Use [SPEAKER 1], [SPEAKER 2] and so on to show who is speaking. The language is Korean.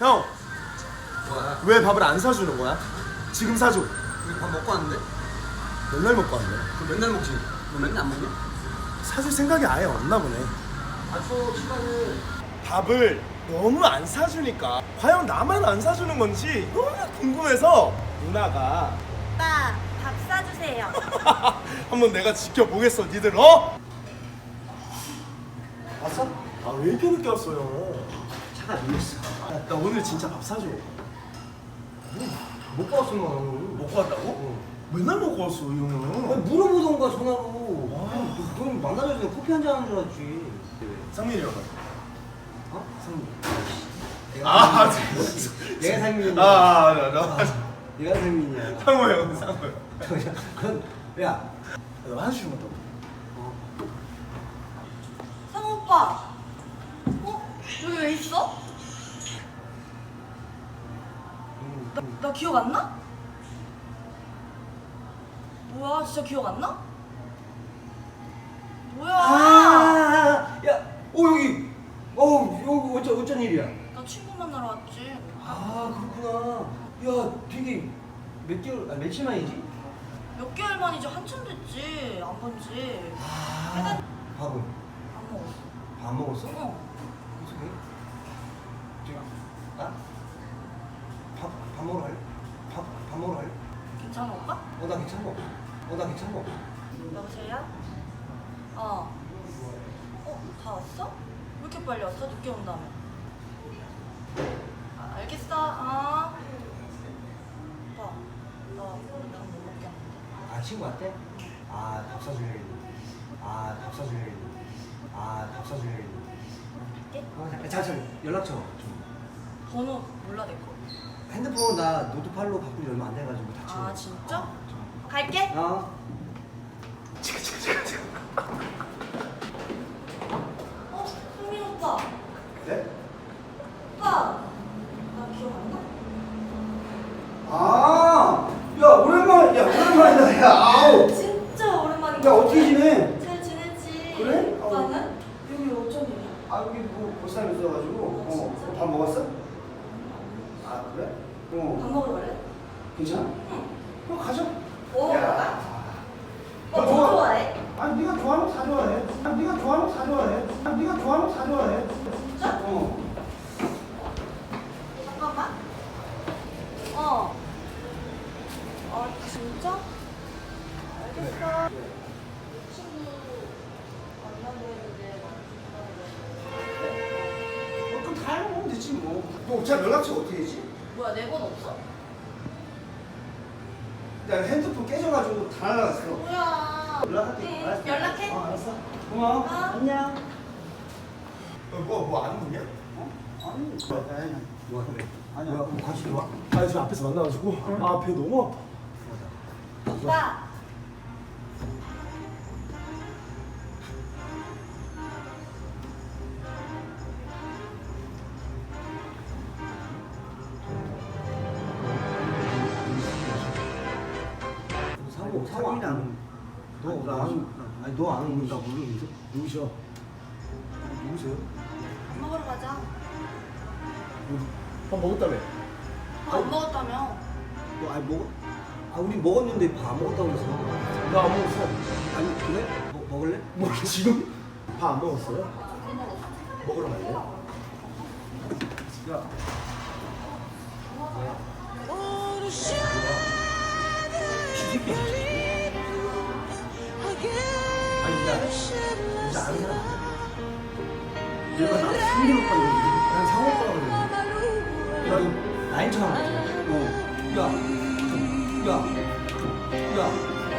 [SPEAKER 1] 형,
[SPEAKER 2] 뭐야?
[SPEAKER 1] 왜 밥을 안 사주는 거야? 지금 사줘.
[SPEAKER 2] 우리 밥 먹고 왔는데?
[SPEAKER 1] 맨날 먹고 왔네.
[SPEAKER 2] 그럼 맨날 먹지. 너 맨날 안 먹냐?
[SPEAKER 1] 사줄 생각이 아예 없나 보네.
[SPEAKER 2] 아저 시간을
[SPEAKER 1] 밥을 너무 안 사주니까 과연 나만 안 사주는 건지 너무 궁금해서 누나가
[SPEAKER 3] 오빠 밥 사주세요.
[SPEAKER 1] 한번 내가 지켜보겠어. 니들 어?
[SPEAKER 2] 왔어?
[SPEAKER 1] 아 왜 이렇게 늦게 왔어요?
[SPEAKER 2] 차가 밀렸어.
[SPEAKER 1] 나 오늘 진짜 밥 사줘.
[SPEAKER 2] 먹고 왔으면
[SPEAKER 1] 먹고 왔다고? 맨날 먹고 왔어 이 형은.
[SPEAKER 2] 물어보던가 전화로. 넌 만나자고 전에 커피 한잔 하는 줄 알았지.
[SPEAKER 1] 상민이 형.
[SPEAKER 2] 어? 상민.
[SPEAKER 1] 아,
[SPEAKER 2] 내가 상민이야.
[SPEAKER 1] 나.
[SPEAKER 2] 내가 상민이야.
[SPEAKER 1] 상호 형, 상호 형.
[SPEAKER 2] 그건 야.
[SPEAKER 1] 너 한숨 더.
[SPEAKER 3] 상호 오빠. 여기 왜 있어? 나 기억 안 나? 뭐야 진짜 기억 안 나? 뭐야?
[SPEAKER 2] 야, 여기. 여기 어쩐 일이야?
[SPEAKER 3] 나 친구 만나러 왔지.
[SPEAKER 2] 아, 그렇구나. 야, 되게 몇 개월, 며칠 만이지?
[SPEAKER 3] 몇 개월 만이지 한참 됐지 안 본지.
[SPEAKER 2] 아, 밥은?
[SPEAKER 3] 안 먹었어.
[SPEAKER 2] 밥 먹었어? 어떻게? 저기, 밥 먹으러 갈래? 밥 먹으러 갈래?
[SPEAKER 3] 괜찮아 오빠?
[SPEAKER 2] 나 괜찮은 거 없어. 나 괜찮은 거 없어.
[SPEAKER 3] 여보세요? 다 왔어? 왜 이렇게 빨리 왔어? 늦게 온다며. 알겠어. 오빠, 나 오늘 밥 못 먹겠는데.
[SPEAKER 2] 아, 친구한테? 밥 사주려고. 밥 사주려고.
[SPEAKER 3] 갈게.
[SPEAKER 2] 잠깐, 연락처 좀.
[SPEAKER 3] 번호 몰라 내 거.
[SPEAKER 2] 핸드폰 나 노트팔로 바꾼 지 얼마 안 돼가지고 다 치워.
[SPEAKER 3] 진짜? 갈게. 흥민 오빠.
[SPEAKER 2] 네?
[SPEAKER 3] 오빠, 나 기억 안 나?
[SPEAKER 2] 오랜만이다, 야, 아우.
[SPEAKER 3] 진짜 오랜만인
[SPEAKER 2] 야,
[SPEAKER 3] 것
[SPEAKER 2] 어떻게
[SPEAKER 3] 같아.
[SPEAKER 2] 지내?
[SPEAKER 3] 잘 지내지.
[SPEAKER 2] 그래?
[SPEAKER 3] 오빠는? 여기 어쩐 일이야?
[SPEAKER 2] 여기 뭐, 볼 사람 있어가지고.
[SPEAKER 3] 진짜?
[SPEAKER 2] 밥 먹었어? 그래?
[SPEAKER 3] 밥 먹으러 갈래?
[SPEAKER 2] 괜찮아?
[SPEAKER 3] 응.
[SPEAKER 2] 그럼 가자.
[SPEAKER 3] 뭐 먹을까?
[SPEAKER 2] 야.
[SPEAKER 3] 뭐 좋아해?
[SPEAKER 2] 아니, 네가 좋아하는 거 다 좋아해. 네가 좋아하는 거 다 좋아해.
[SPEAKER 3] 진짜? 잠깐만. 진짜? 알겠어. 친구 만나고 했는데
[SPEAKER 2] 그럼 다 해먹으면 되지, 뭐. 너 자 연락처 어떻게 되지?
[SPEAKER 3] 뭐야 내 번 없어?
[SPEAKER 2] 야, 핸드폰 깨져가지고 다 날라갔어.
[SPEAKER 3] 뭐야?
[SPEAKER 2] 연락할게.
[SPEAKER 3] 응,
[SPEAKER 2] 알았어.
[SPEAKER 3] 연락해.
[SPEAKER 2] 알았어. 고마워.
[SPEAKER 3] 안녕.
[SPEAKER 1] 뭐 아는 분이야?
[SPEAKER 2] 아니, 뭐 그래? 아니야. 뭐 같이 들어와.
[SPEAKER 1] 아 지금 앞에서 만나가지고 배 너무 아파.
[SPEAKER 3] 오빠.
[SPEAKER 2] 상민이 아는. 너 아는 건 나 모르는데.
[SPEAKER 1] 누구셔? 누구세요?
[SPEAKER 3] 밥 먹으러 가자.
[SPEAKER 1] 밥 먹었다며?
[SPEAKER 3] 밥 안 먹었다며?
[SPEAKER 2] 우리 먹었는데 밥 먹었다고 그래서.
[SPEAKER 1] 나 안 먹었어.
[SPEAKER 2] 아니, 그래? 먹을래?
[SPEAKER 1] 뭐 지금? 밥 안 먹었어요?
[SPEAKER 3] 안 먹었어.
[SPEAKER 1] 먹으러 갈래?
[SPEAKER 2] 야. 아니, 나 진짜 아는 사람 아니야? 얘가 나 상민 오빠 이러는데.
[SPEAKER 1] 난 상호 오빠라고 그랬는데.
[SPEAKER 2] 야, 너 나인 처럼. 야. 야.